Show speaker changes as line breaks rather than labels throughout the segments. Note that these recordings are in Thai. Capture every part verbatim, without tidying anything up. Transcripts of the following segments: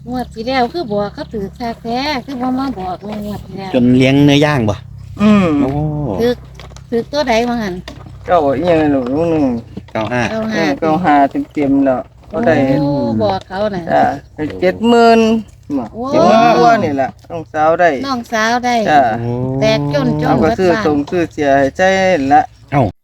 งวดที่แล้วคือบอกเขาถือแท้แท้คือบ่มาบอกในงวดที่แล้ว
จนเลี้ยงเนื้อย่างบ่
อืม
โอ้
ถือถือตัวใดมาหัน
เก้าอีหยังหนูลูกหนึง
เก้าห้า
เอา
เอ
หา
อเก้าห้าเต็มๆแล้วก็ได้
โอ้บอกเขาน่ะ
จ้ะเจ็ดหมื่นบ่
โอ้
เจ็ดหมื่นกว่านี่ล่ะน้องสาวได้
น้องสาวได้
จ้ะ
แตกจนจน
เอาก็ซื้อตรงซื้อเสียให้ใจละ
เอ้า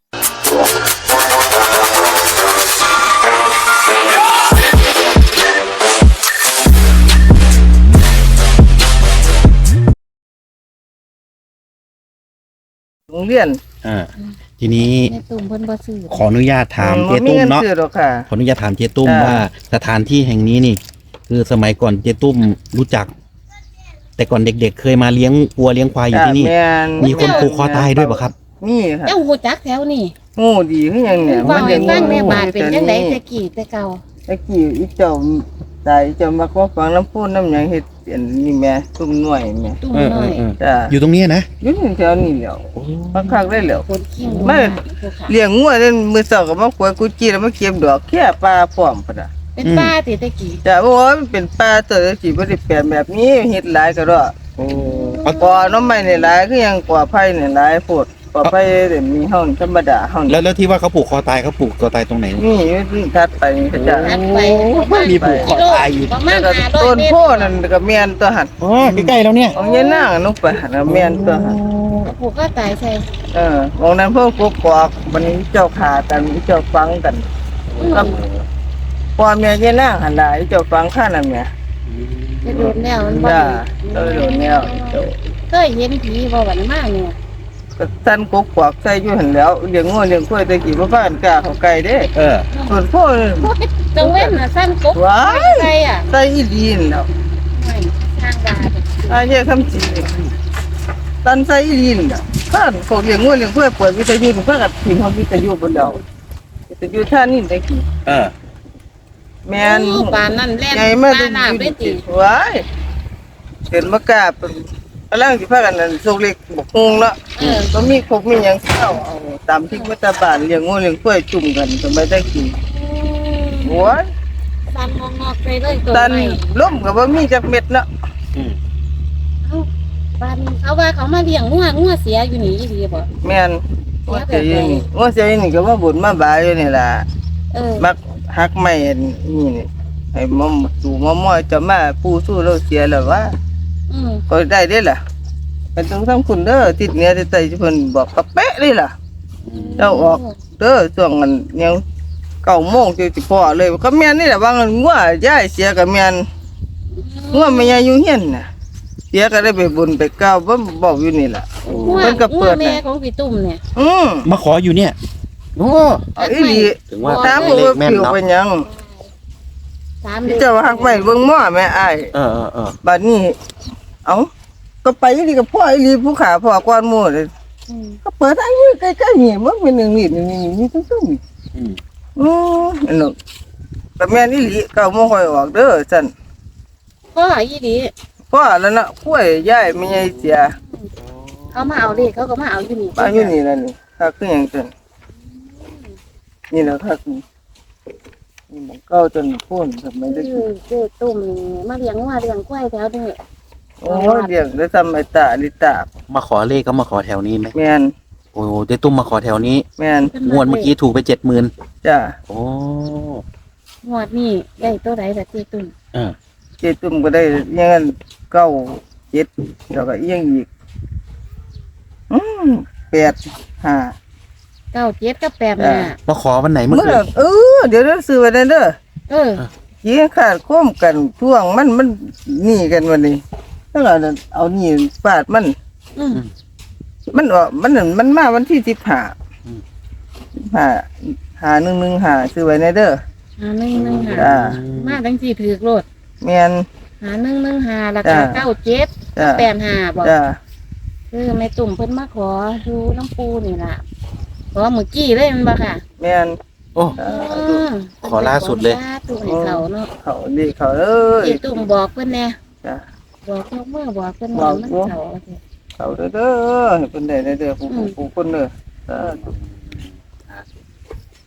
โรงเรียน
อ่าทีนี้
ในตุ่มเพิ่นบ่ซื้อ
ขออนุญาตถาม
อื
เจ๊
บ่
ตุ้ม
งิ
เนาะ
ซื้อหรอกค่ะ
ขออนุญาตถามเจ๊ตุ้ม
จ้ะ
ว่าสถานที่แห่งนี้นี่ คือสมัยก่อนเจ๊ตุ้มรู้จัก แต่ก่อนเด็กๆ เคยมาเลี้ยงวัวเลี้ยงควายอยู่ที่นี่
จ้ะแม่น
มีคนผูกคอตายด้วยป่ะครับ
มีค่ะ
เจ้าฮู้จักแถวนี่
โง่ดีคือหยังเนี่ย
เว้าให้ฟังแม่
โง่
บาดเป็นจังได๋
แต่
แต่กี้แต่เก่า
ตะกี้อีเจ้าตายเจ้ามาขอฟังน้ำพูนน้ำหยังเฮ็ดอันนี้แม่ตุ้มหน่วยแม่
ตุ่ม
เออ
น้
เอ
อ
อย เออ
จ้ะ
อยู่ตรงเนี้ยนะ
อยู่แถวนี้แหล้วคักๆได้แล้ว
คนขี้ง
ไม่
ผู้ขา
เลี้ยงงัวเล่นมื้อเช้าก็มาขวายกุจีแล้วมาเก็บดอกแค่ปลาพร้อมพุ่นน่ะ
เป็นป้าติแต่กี้
จ้ะโอ้ยมันเป็นปลาตัวสิบ่ได้แปลนแบบนี้เฮ็ดหลายก็ดอก
โอ้
กอน้ำไม้นี่หลายคือหยังกอไผ่นี่หลายโพดกอไผ่นี่มีเฮาธรรมดาเฮา
แล้วแล้วที่ว่าเขาผูกคอตายเขาผูกคอตายตรงไหน
นี่อยู่ที่ทัดไปนี่ก็จ้ะ
หันไปประมาณ
มีผูกคอตายอยู่
ประมา
แล้
ณ
วก็
ห้าร้อย
ต้น
เมต
โพ
ร
นั่นก็แม่นตัวหั่น
อ๋อใกล้ๆแล้วเนี่ย
ของยายนางนุไปหั่นน่ะแม่นตัวหั่น
ผูกก็ตายใส่
เออวงนั้นพวกกกอกวันนี้เจ้าขากันเจ้าฟังกันกับพ่อแม่ยายนางหั่นล่ะเจ้าฟังข้านั่นแหม่
จะโดนแล้วมันบ่
จ้าเออโดนแล้วเจ้า
เคยเห็นผีบ่วันมาเนี่ย
ก็ท่านกกอกใส่อยู่หั่นแล้วเลี้ยงงัวเลี้ยงควายแตะกี้บ่พากันกล้าเข้าใกล้เด้
เออ
ส่วนโพนี่
จังเว้นน่ะสั้นกบ
ว้าย
ใส่อ่ะ
ใส่อีหลีนแล้ว
ไม่สร้างดา
อาเยคำจีตันใส่อีหลีนแล้วท่านพวกเลี้ยงงัวเลี้ยงควายเปิดวิทยุเพิ่นก็พิมพ์เฮาวิทยุบนดาววิทยุท่านี่ตะกี้
เออ
แม่น
ปานนั่นแล่น
ใหญ่มา
ปานน้ำได้ติ
ว้ายเห็นมากราบกำลังสิพากันนั่นโซกเล็กบกฮงเนาะ
เออ
ก็มีครบมีหยังเข้าเอาตามที่วัตบานเลี้ยงงูเลี้ยงกล้วยจุ่มกันสมัยได้กินโอ้ย
สั้นงอกๆไปเลยตัว
ตัน
ใหม่
ล่มก็บ่มีจักเม็ดเนาะ
อืม
เอ้าปานเขาว่าเขามาเลี้ยงงัวงัวเสียอยู่นี่อีหลีบ่
แม่นว่าเสียอยู่นี่ว่าเสียอยู่นี่ก็มาบ่นมาบายอยู่นี่ล่ะ
เออ
มักหักไม้อันนี่นี่ให้มอมสู่มอมอยจะมาปูสู้เราเสียแล้วว่า
อืม
ก็ได้เด้ล่ะเป็นต้องทำคุณเด้อติดเหนือติดใต้เพิ่นบอกกะเป๊ะเลยล่ะ เจ้าออก เด้อช่วงนั้นยังเก้าโมงจะสิพอเลยก็แม่นนี่แหละว่างันงัวยายเสียก็แม่นงัวแม่ยายอยู่เฮียนน่ะเสียก็ได้ไปบุญไปกล่าวบ่บอกอยู่นี่ล่ะ
งัว
เพิ่นก็
งั
เปิ
ว
ด
แม่
น่ะ
ของพี่ตุ้มเนี่ย
อืม
มาขออยู่เนี่ยโอ้
เอาอีหลี
ถึงว่า
ถาม
เล
ว่า
ขแม่น
ผิว
เนาะ
เป็นหยัง
สาม
พี่เจ้าว่าฮักไว้เบิ่งหม้อแม่อ้าย
เออเออเออ
บัดนี้เอ้าก็ไปอีหลีกับพ่ออีหลีผู้ขาพ่อก่อนหมู่เลย
อืม
ก็เปิดให้อยู่ใกล้ๆนี่มันเป็นหนึ่งนี่นี่นี่นี่ซุ่มๆนี่
อืม
อืออันนั้นก็แม่นอีหลีเก้าโมงค่อยออกเด้อซั่น
พ่ออีหลี
พ่อแล้วนะกล้วยยายไม่ใช่เสีย
เขามาเอาเลขเขาก็มาเอาอยู่นี่
มาอยู่นี่แล้วนี่ถ้าคือหยังซั่นนี่แหละถ้าคือนี่มันเก้าจนพ้นทำไมได้
คือเจ้ตุ้มนี่มาเลี้ยงงัวเลี้ยงควายแถวนี้
โอ้ยเลี้ยงได้ทำไมตาลิตา
มาขอเลขก็มาขอแถวนี้ไหม
แม่น
โอ้เจ๊ตุ้มมาขอแถวนี้
แม่น
งวดเมื่อกี้ถูกไปเจ็ดหมื่น
จ้า
โอ้
งวดนี่ได้ตัวใดล่ะเจ้ตุ้ม
เออ
เจตุ่มก็ได้อยังงั้นเก้าเจ็ดแล้วก็อีหยังอีกอืมแปดห้า
เก้าเจ็ดกับแปด
อ่า
ห้า
มาขอวันไหนเมื่อ
เมื่อ
คืน
เออเดี๋ยวเราซื้อไว้ได้เด้อ
เออ
ยิงขาดโค้มกันท่วงมันมันหนี่กันวันนี้แล้วเราเอานี่ฟาดมัน
อืม
มันออกมันนั่นมันมาวันที่สิบห้าสิบห้าหาหนึ่งหนึ่งหาซื้อไว้ในเด้อ
หาหนึ่งหนึ่งหา
จ้า
มาทั้งสี่ถือกโลด
แม่น
หาหนึ่งหนึ่งหารา
จ้า
คาเก้าเจ็ด
จ้า
แปดห้าบอก
จ้า
คือแม่ตุ่มเพิ่นมาขอดูน้ำปูนี่ล่ะขอเมื่อกี้เลยมันบ่ค่ะ
แม่น
โอ้
อ่า
อืม
ขอล่าสุดเลย
ขอตุ่มให้เขาเนาะ
เขาดีเขาเอ้ย
เจ้ตุ่มบอกเพิ่นแน่
จ้า
บอกยกมือบอกเพิ่น
บอก
มัน
อยู่
เขา
เขาเด้อเด้อให้เป็นได้เด้อผู้ผู้ผู้คนเด้อสาธุ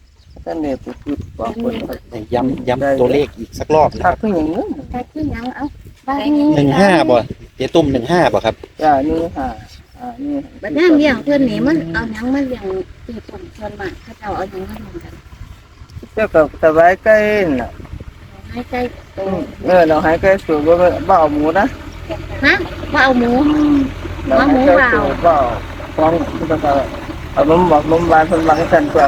ท่านเนี่ยไปพูดบอกคน
ย้ำย้ำตัวเลขอีกสักรอบนะค
ทั
รั
ก
บ
ขึ้นอย่างนี้
ใครขึ้นยังเอาบ้าน
หนึ่งห้าบ่เจ๊ตุ้มหนึ่งห้าบ่ครับ
จ้านี่ค่ะอ่านี่
บัดนี้เลี้ยงเพิ่นนี่มันเอาหยังมาเลี้ยงตีตุ่มส่วนมากเขาเจ้าเอาหยังมาเลี้ยงกัน
เจ้ากับสบายใกล้น่ะ
ให้ใกล้โต
เออเราให้ใกล้สูงก็บ่เอาหมูนะ
ฮะว่าเอาหมู
เราให้ใกล้สูงบ่เอาฟ้องก็จะเอานมบอกนมบานคนบางสันกว่า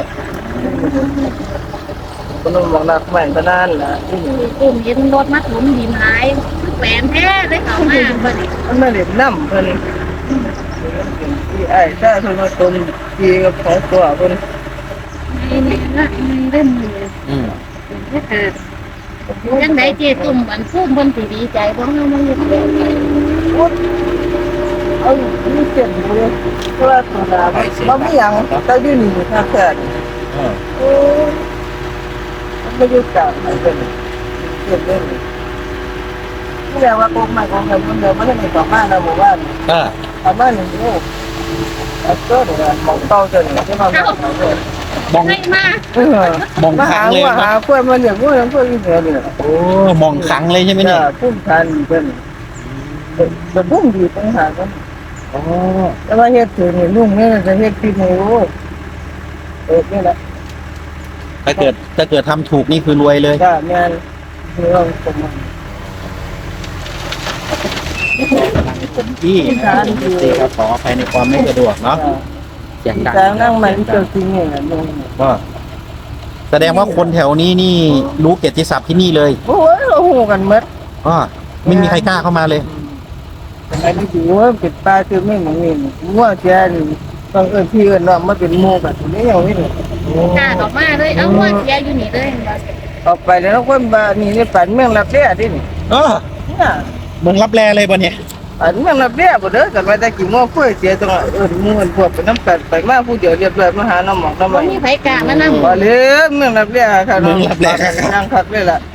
คนบอกนักแม่นก็นั่นแหละ
ตีตุ่มเห็นรถมาถมดินหายแหวนแท้ได้เข้ามาบัดนี้
มันไม่เด็ดน้ำเพิ่นที่ไอ้ถ้าเพิ่นมาต้มทีกับของตัวเพิ่น
นี่นี่ละมันเริ่มมือ
อืม
เป็นแค่จังไดเจตุ่มอันฟูมเพิ่นสิดีใจบ่เฮามาเฮ็ดแบบ
เอานี่เจ็บเลยเพราะว่าตัวดาบ่มีหยังแต่อยู่นี่ค่ะแค่
เออ
โอ้มันไม่อยู่กลางไหนเป็นเจ็บเลยนี่แหละว่าโกงมาโกงเงินมันเดิมมันไม่ต่อมานะหมู่บ้าน
อ่า
ประมาณหนึ่งลูกเอาเจ้าเนี่ยมองเต้าเจ้าเนี่ยที่มาหาเจ้าม
อง
ให้มา
เออ
มอง
มา
ครั้
หาง
เลย
ว่า
ค
หา
รับ
เพื่อนมันอย่างพวกนั้นพวกนี้เนี่ย
โอ้มองครั้งเลยใช่ไหมเนี่ย
จะพุ่มทันเป็นเป็นพุ่มดีต่างหากกัน
อ๋อ
แต่ว่าเฮ็ดถึงนี่ลุงเนี่ยจะเฮ็ดที่หมูเออนี่แหละ
ถ้าเกิดถ้าเกิดทำถูกนี่คือรวยเลย
จ้าแม่นคือเราสม
ที่นะครับที่ครับขออภัยในความไม่สะดวกเนาะเสียงดัง
แต่นั่งมันเจอจริงเนี่ยลุง
ก็แสดงว่าคนแถวนี้นี่รู้เกียรติศัพท์ที่นี่เลย
โอ้ยเราหูกันหมด
ก็ไม่มีใครกล้าเข้ามาเลย
อันนี้ถือว่าเป็นปลาคือไม่เหมือนนี่งัวเสียนี่ต้องเอิ้นพี่เอิ้นน้องมาเป็นหมู่กันนี่อย่างนี้
กล้าออกมาเลยเอาว่าเสียอยู่นี่เลย
ออกไปแล้วคนบ้านนี่นี่ปันเมืองรับเรียดินี่
เออ
เนี่ย
เมืองรับแลเลยบ่เนี่ย
ปันเมืองรับเรียบ่เด้อกันมาแต่กี่โมงคุยเสียตรงเอิ้นหมู่เอิ้นพวกไปน้ำกันไปมาผู้เดียวเรียบร้อยมาหาน้ำหมอกน้ำ
บ่
ไม้
มีไผกล้ามานำ
บ่เลยเมืองรับเรียค่ะนั่งคักเลยล่ะ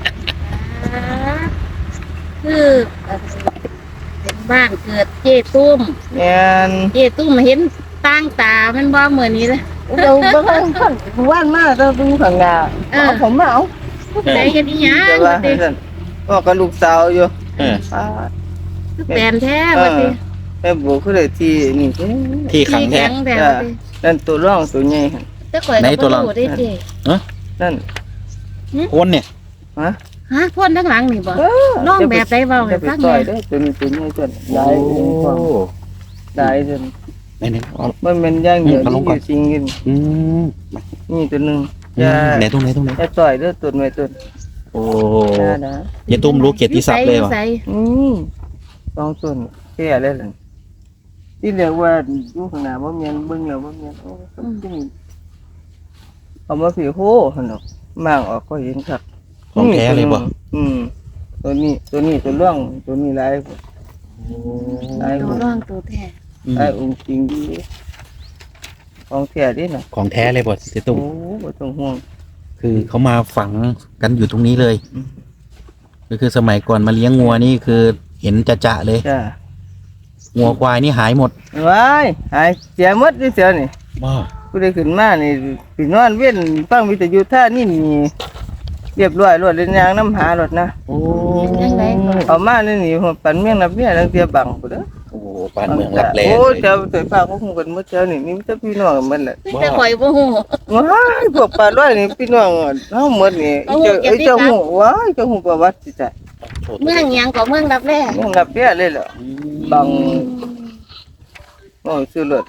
คือเป็นบ้านเกิดเจตุ้ม
แม่น
เจตุ้มเห็นตั้งตามันบ่เหมือนนี้เลย
เดี๋ยวเบิ่งคันว่านมาต้องดูข้างหน้าเอาผมมาเอา
ใจกันอีหยัง
แต่ว่า
ว่าติ
ซั่นก็กับลูกสาวอยู่
เออ
อ่า
คือแปลนแท้ว่าติ
แม่บอกคือได้ที่นี่
ที่ขังแท้
แข็งแท้ว่าติ
นั่นตัวร่องตัวใหญ่หั่น
แต่ข่อย
ไหน
ก็
ตัว
บ่
เรา
รู้ได้เจ
นั่น
คนเนี่ย
ฮะ
ฮะพ่นทั้งหลังนี่บ่น้องแบบใดเว้าให้
จะไป
ฟัง
ต่
แห
อย
น่
เด้อตัวนี้ตัวใหญ่ตัว
โอ้
ได้ได้จน
ไหนไหนเอา
มันเป็นอย่างเดียว
เอาล
ที่
ง
อ
ก่อน
ยู่จริงกัน
อืม
นี่ตัวหนึง
อื
จะ
มไหนตรงไหนตรงไหน
จะต่อยเด้อตัวไว้ตัว
โอ้
นะนะ
ยายตุ้มรู้เกียรติศัพท์เลย
อยู่
วะ
ไส
อืมสองตัวนี่แค่เลยล่ะที่เรียกว่าอยู่ข้างหน้าบ่แม่นเบิ่งแล้วบ่แม่นโอ้ต้องจริงเอามาสิโหหั่นดอกมางออกก็เห็นครับ
ของแท้เลยบ่
อืมตัวนี้ตัวนี้ตัวร่องตัวนี้ลายลาย
ตัวร่องตัวแท้
อืม
ลายองค์จริงดีของแท้ดิน่ะ
ของแท้เลยบ่เจ๊
โอ้
ตุ้ม
บ่ต้องห่วง
คือเขามาฝังกันอยู่ตรงนี้เลย
อืม
ก็คือสมัยก่อนมาเลี้ยงงัวนี่คือเห็นจะจะๆเลย
จ้า
งัวควายนี่หายหมด
ว้ายหายเสียหมดดิเสียนี่
ว้า
ผู้ใดขึ้นมานี่สินอนเว้นฟังวิทยุท่านี่นี่เรียบร้อยรวดเล่นยางน้ำหารถนะ
โอ้
เป็นจังไดก่อน
เอามานี่นี่ปันเมียงนับเมียลังเตียบังพุ่นเด้อ
โอ้บ้านเมืองรับแล
โอ้
เลย
เจ้าเตยฟ้าก็คงกันหมดเจ้านี่มีแต่พี่น้องกันหมดแหละ
แต่ข่อยบ่ฮู้
ว้ายพวกปลาร้อยนี่พี่น้องเฮาหมดนี่
เอา
เจ้า
เก็
เอ้
บ
ย
ดี
เจ้า
ครับ
หูว้ายเจ้าหูประวัติสิจ้ะ
เมืองหยังก็เมืองรับแล
เมียงนับเมียเลยเหรอบังโอ้ซื้อรถ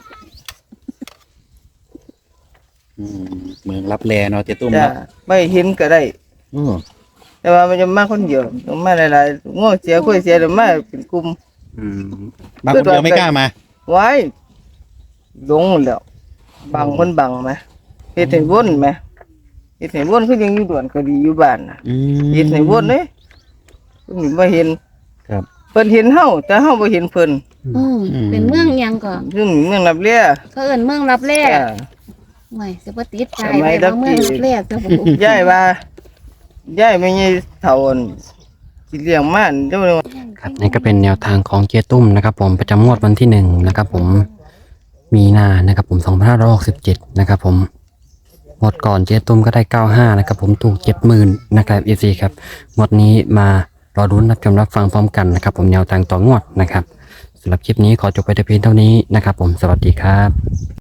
อืมเมืองรับแลเนาะเจ๊ตุ้ม
จ้ะ
เนาะ
ไม่เห็นก็ได้
อืม
แต่ว่ามันจะมาคนเดียวต้องมาหลายๆง้อเสียคุยเสียเดี๋ยวมาเป็นกลุ่ม
อืมบางคนเดียวไม่กล้ามา
ไว้ลงแล้วบังคนบังไหมเฮ็ดให้วนไหมเฮ็ดให้วนคือยังอยู่ด่วนก็ดีอยู่บ้านน่ะ
อืม
เฮ็ดให้วนเด้เพิ่นบ่เห็น
ครับ
เพิ่นเห็นเฮาแต่เฮาบ่เห็นเพิ่น
อืมเป็นเมืองหยังก็
ซึ่งเมืองรับเลีย
เขาเอิ้นเมืองรับแล
จ้ะ
โอ้ยสิบ่ติดใจ
ทำไม
ไป
ดั
ว่า
บ
เมือง
จิ
รับแลซะบ่
ยายว่ายายไม่ใช่เฒ่าอั่นสิเลี้ยงมาเจ้าเลยว่า
ครับนี่ก็เป็นแนวทางของเจตุ้มนะครับผมประจำงวดวันที่หนึ่งนะครับผมมีนานะครับผมสองพันห้าร้อยหกสิบเจ็ดนะครับผมงวดก่อนเจ๊ตุ้มก็ได้เก้าห้านะครับผมถูกเจ็ดหมื่นนะครับเอซีครับงวดนี้มารอรุ้นรับชมรับฟังพร้อมกันนะครับผมแนวทางต่องวดนะครับสำหรับคลิปนี้ขอจบไปแต่เพียงเท่านี้นะครับผมสวัสดีครับ